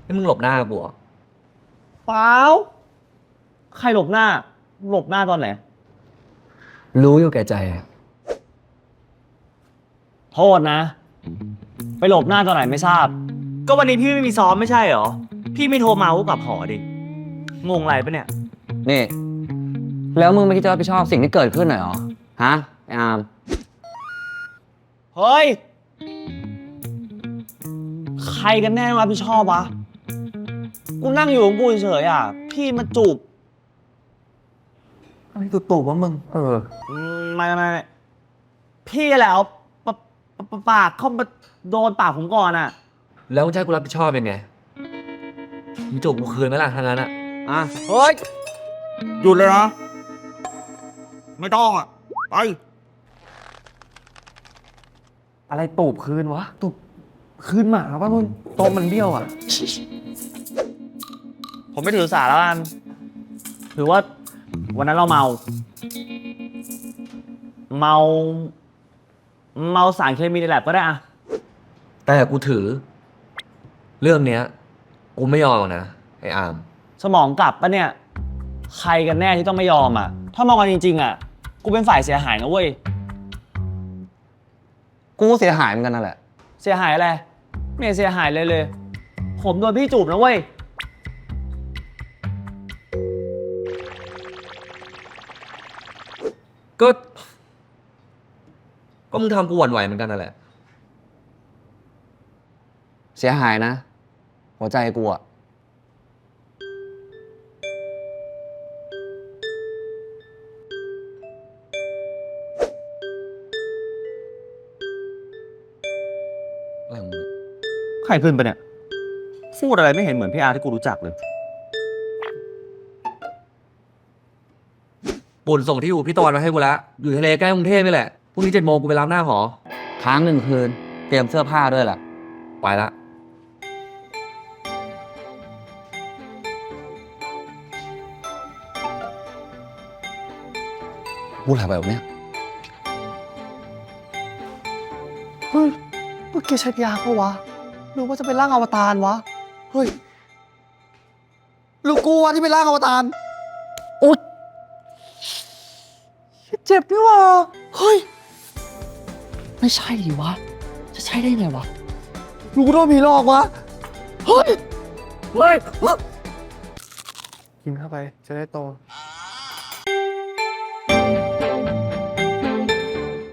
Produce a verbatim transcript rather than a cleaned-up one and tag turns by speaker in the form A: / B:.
A: นี่มึงหลบหน้ากูเหรอ
B: เปล่าใครหลบหน้า หลบหน้าตอนไหน
A: รู้อยู่แก่ใจอะ
B: โทษนะ ไปหลบหน้าตอนไหนไม่ทราบ ก็วันนี้พี่ไม่มีซ้อมไม่ใช่เหรอ พี่ไม่โทรมาก็กลับหอดิ งงอะไรปะเนี่ย
C: นี่ แล้วมึงไม่คิดจะรับผิดชอบสิ่งที่เกิดขึ้นหน่อยเหรอ ฮะ ไอ้อาม
B: เฮ้ย ใครกันแน่รับผิดชอบวะ กูนั่งอยู่ของกูเฉยๆอ่ะ พี่มาจูบ
A: อะไรตุ่ๆวะมึง เออ
B: อืมไม่ไม่ไม่พี่แหละเอาปะปะปะปากเข้ามาโดนปากผมก่อนอ่ะ
A: แล้วมึงจะให้กูรับผิดชอบยังไงมึงจูบกูคืนไหมล่ะทางนั้นอะ
B: อ่ะ เฮ้ย หยุดเลยนะ ไม่ต้องอ่ะ ไป
A: อะไรตูบคืนวะตูบคืนหมาปะมึงโตะมันเบี้ยวอะ
B: ผมไม่ถือสาแล้วกัน ถือว่าวันนั้นเราเมา เมา เมาสารเคมีในแลบก็ได้อะ
A: แต่กูถือ เรื่องเนี้ยกูไม่ยอมหรอกนะไอ้อาม
B: สมองกลับปะเนี่ย ใครกันแน่ที่ต้องไม่ยอมอ่ะ ถ้ามองกันจริงๆอ่ะ กูเป็นฝ่ายเสียหายนะเว้ย
C: กูก็เสียหายเหมือนกันนั่นแหละ
B: เสียหายอะไร ไม่เห็นเสียหายเลยเลย ผมโดนพี่จูบนะเว้ย
A: ก็ ก็มึงทำกูหวั่นไหวเหมือนกันนั่นแหละ
C: เสียหายนะ หัวใจกูอะอะไรของมึง
B: ใครขึ้นไปเนี่ย พูดอะไรไม่เห็นเหมือนพี่อาร์ที่กูรู้จักเลย
A: ปุ่นส่งที่อยู่พี่ตะวันมาให้กูแล้ว อยู่ทะเลใกล้กรุงเทพนี่แหละ พรุ่งนี้เจ็ดโมงกูไปรับหน้าหอ
C: ค้างหนึ่งคืน เตรียมเสื้อผ้าด้วยแหละ
A: ไปละ
C: พูดอะไรแบบเนี้ย
D: เฮ้ยเมื่อกี้ใช้ยาปะวะหรือว่าจะเป็นร่างอวตารวะ เฮ้ยหรือกูวะที่เป็นร่างอวตารโอ๊ยเจ็บนี่วะเฮ้ย ไม่ใช่ดิวะ จะใช่ได้ไงวะหรือกูโดนผีหลอกวะ เฮ้ย เฮ้ย กินเข้าไปจะได้โต